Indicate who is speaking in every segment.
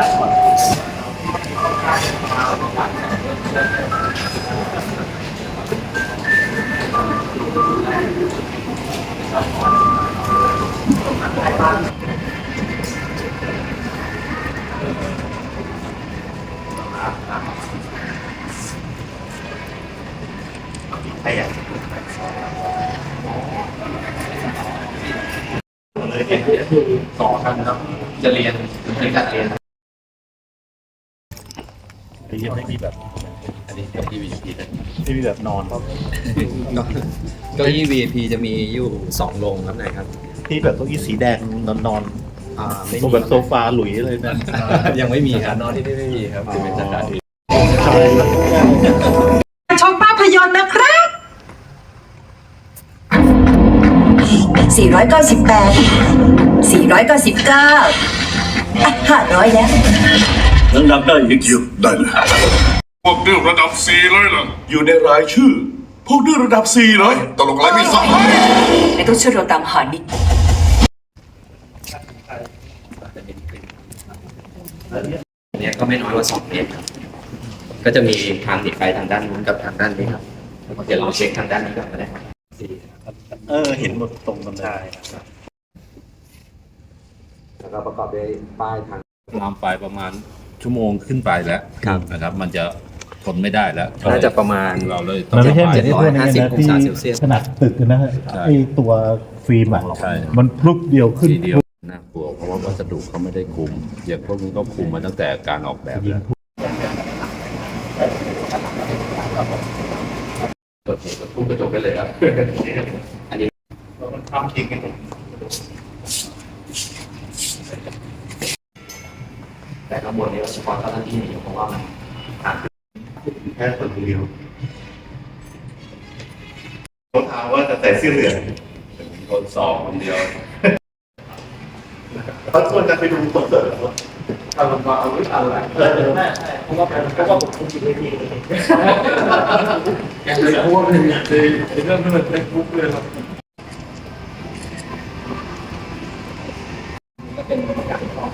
Speaker 1: ใครอยาก
Speaker 2: สอนกันครับจะเรียนเป็นการเรียน
Speaker 1: ยังไม่มีแบบ
Speaker 2: อันนี้กับที่ VIP นะ
Speaker 1: ไม่มีแบบนอนครับ
Speaker 2: เก้าอี้ VIP จะมีอยู่2โรงครับไหนครับ
Speaker 1: ที่แบบเก้าอี้สีแดงนอน
Speaker 2: ไม่มี
Speaker 1: ตัวแบบโซฟาหลุยเลยนะ
Speaker 2: ยังไม่มีครับนอนที่นี่ไม่มีครับจะเป็นสถานที่
Speaker 3: ชมภาพยนตร์นะครับ498 499500แล้ว
Speaker 4: ยังดับได้อีกอยู่ได้เลย
Speaker 5: พวกดื้อระดับ4เลยเหรอ
Speaker 4: อยู่ในรายชื่อ พวกดื้อระดับ4เลย
Speaker 5: ตลกอะไรไม่ทราบ
Speaker 3: ไม่ต้องช่วยเราตามหานิด
Speaker 2: เนี่ยก็ไม่น้อยกว่า2 เมตรครับก็จะมีทางหนีไฟทางด้านนู้นกับทางด้านนี้ครับเดี๋ยวเราเช็คทางด้านนี้ก่อนก็ได้ครับ
Speaker 1: เห็นหมดตรงกันได้
Speaker 2: แล้วก็ประกอบด้วยป้ายทาง
Speaker 6: ลามไฟประมาณชั่วโมงขึ้นไปแล้วนะครับ มันจะทนไม่ได้แล้ว
Speaker 2: น่าจะประมาณ
Speaker 6: เราเลย
Speaker 1: มันไม่ใช่เหมือนที่พวกนี้นะที่ขนาดตึกนะฮะไอตัวฟิล์มอ่ะมันพลุบเดียวขึ้น
Speaker 6: ทีเดียวน่ากลัวเพราะว่าวัสดุเขาไม่ได้คุมอย่างพวกนี้ก็คุมมาตั้งแต่การออกแบบแล้ว
Speaker 2: เปิดทุบกระจกไปเลยครับอันนี้
Speaker 1: มันทำจริงกัน
Speaker 2: แต่ข้างบนนี้เฉพาะเจ้าหน้าที่นี่เพราะว่ามัน
Speaker 1: แค่คนเดียวเขาถามว่าจะใส่เสื้อเหลือง
Speaker 6: คนสองคนเดียว
Speaker 1: เขาชวนกันไปดูคอนเสิร์ตเหรอ
Speaker 2: เอาลงมาเอาไว้เอาอะไรเพราะว่าผมคุมอยู่ที่ยังเลยเพราะว่าเป็นเรื่องที่มันเป็นบุ๊กเลยครับก็เป็นบรรยากาศของ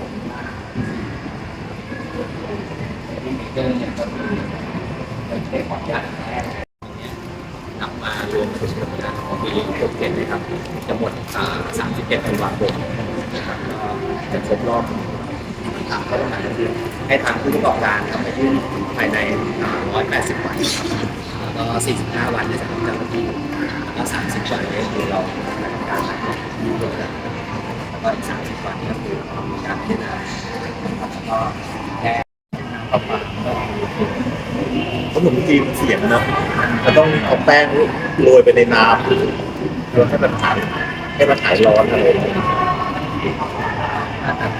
Speaker 2: เรื่องเนี่ยก็คือเด็กของญาตินำมารวมถึงงานของปี67นะครับจะหมด31 ธันวาคมนะครับก็จะครบรอบทางก็ต้องการคือให้ทางผู้ประกอบการทำไปยื่นภายใน180 วันแล้วก็45 วันในสำหรับเจ้าหน้าที่แล้วก็30 วันนี้คือเราดำเนินการยื่นเรื่องแล้วก็อีก30 วันก็คือการพิจารณาแล้วก็แก้
Speaker 1: ประมาณขนมจีนเสียงนะมันต้องเอาแป้งโรยไปในน้ำให้มันหายร้อนอะไร